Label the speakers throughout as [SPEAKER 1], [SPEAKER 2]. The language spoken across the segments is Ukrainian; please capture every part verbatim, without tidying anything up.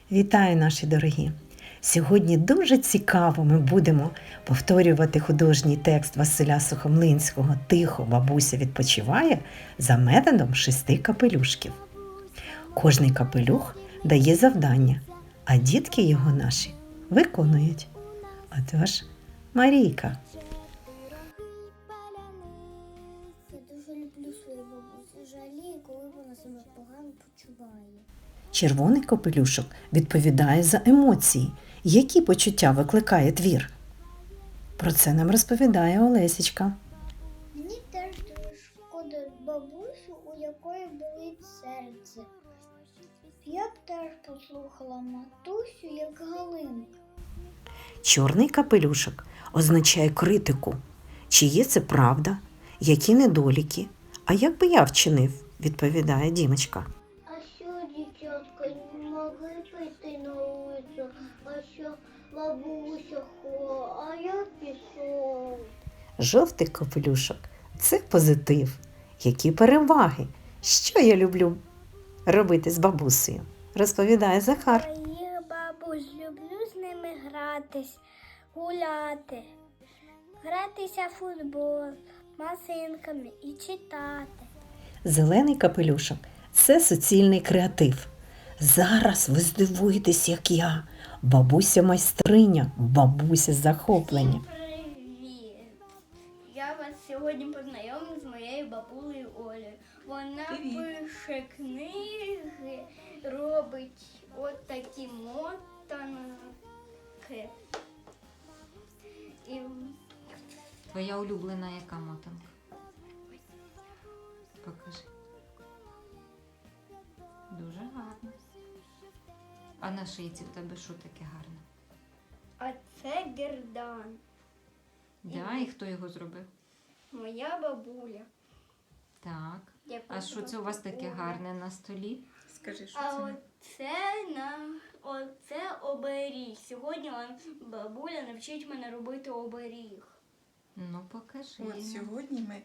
[SPEAKER 1] Вітаю, наші дорогі! Сьогодні дуже цікаво ми будемо повторювати художній текст Василя Сухомлинського «Тихо, бабуся відпочиває» за методом шести капелюшків. Кожний капелюх дає завдання, а дітки його наші виконують. Отож, Марійка.
[SPEAKER 2] Я дуже люблю свою бабусю. Жалію, коли вона себе погано почуває.
[SPEAKER 1] Червоний капелюшок відповідає за емоції. Які почуття викликає твір? Про це нам розповідає Олесічка.
[SPEAKER 2] Мені теж дуже шкода бабусю, у якої болить серце. Я б теж послухала матусю, як Галинка.
[SPEAKER 1] Чорний капелюшок означає критику. Чи є це правда? Які недоліки? А як би я вчинив? Відповідає Дімочка.
[SPEAKER 2] А що, дівчатка, не могли піти на вулицю? А що, бабуся хо, а я пішов.
[SPEAKER 1] Жовтий капелюшок – це позитив. Які переваги? Що я люблю робити з бабусею? Розповідає Захар.
[SPEAKER 2] Моїх бабусь, люблю з ними гратись, гуляти, гратися в футбол, масинками і читати.
[SPEAKER 1] Зелений капелюшок – це суцільний креатив. Зараз ви здивуєтесь, як я. Бабуся майстриня, бабуся захоплення.
[SPEAKER 3] Привіт! Я вас сьогодні познайомлю з моєю бабулею Олею. Вона
[SPEAKER 4] Привіт.
[SPEAKER 3] пише книги, робить от такі мотанки. І
[SPEAKER 4] Твоя улюблена яка мотанка? Покажи. Дуже гарно. А на шийці в тебе що таке гарне?
[SPEAKER 3] а це гердан.
[SPEAKER 4] Да, і хто його зробив?
[SPEAKER 3] Моя бабуля.
[SPEAKER 4] Так.
[SPEAKER 3] яку
[SPEAKER 4] А що це у вас таке
[SPEAKER 3] Оля.
[SPEAKER 4] гарне на столі? Скажи, що
[SPEAKER 3] А
[SPEAKER 4] це?
[SPEAKER 3] оце на оце оберіг. Сьогодні вам бабуля навчить мене робити оберіг.
[SPEAKER 4] Ну, покажи.
[SPEAKER 5] От сьогодні ми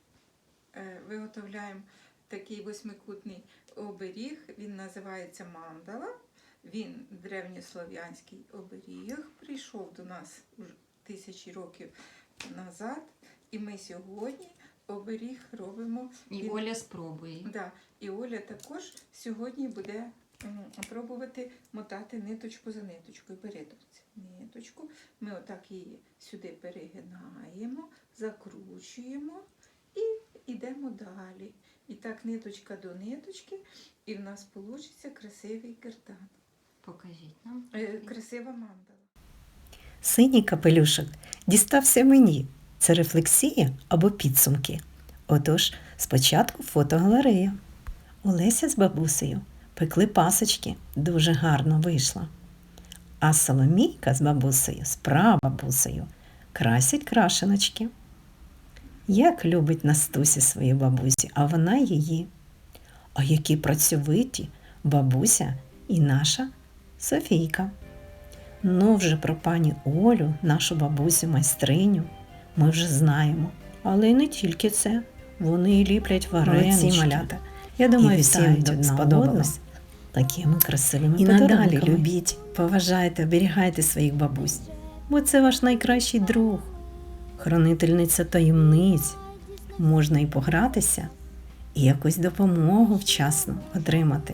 [SPEAKER 5] е, виготовляємо такий восьмикутний оберіг. Він називається мандала. Він древньослов'янський оберіг. Прийшов до нас уже тисячі років назад. І ми сьогодні оберіг робимо.
[SPEAKER 4] І
[SPEAKER 5] Він-
[SPEAKER 4] Оля спробує.
[SPEAKER 5] Да. І Оля також сьогодні буде м, пробувати мотати ниточку за ниточкою. Бери доця ниточку. Ми отак її сюди перегинаємо, закручуємо і йдемо далі. І так ниточка до ниточки, і в нас вийде красивий гердан.
[SPEAKER 4] Покажіть нам.
[SPEAKER 5] Е, красива мандала.
[SPEAKER 1] Синій капелюшок дістався мені. Це рефлексія або підсумки. Отож, спочатку фотогалерея. Олеся з бабусею пекли пасочки, дуже гарно вийшло. А Соломійка з бабусею, з прабабусею, красять крашеночки. Як любить Настусі свою бабусі, а вона її. А які працьовиті бабуся і наша Софійка. Ну, вже про пані Олю, нашу бабусю-майстриню, ми вже знаємо. Але й не тільки це. Вони і ліплять варенички. Малята. Я думаю,
[SPEAKER 5] І
[SPEAKER 1] всім
[SPEAKER 5] вітають
[SPEAKER 1] тут
[SPEAKER 5] одна
[SPEAKER 1] сподобалось. Такими красивими
[SPEAKER 5] І
[SPEAKER 1] подарунками.
[SPEAKER 5] надалі
[SPEAKER 1] любіть, поважайте, оберігайте своїх бабусь. Бо це ваш найкращий друг, хранительниця таємниць. Можна і погратися, і якусь допомогу вчасно отримати.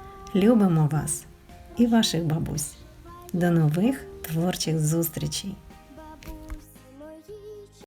[SPEAKER 1] Любимо вас і ваших бабусь. До нових творчих зустрічей!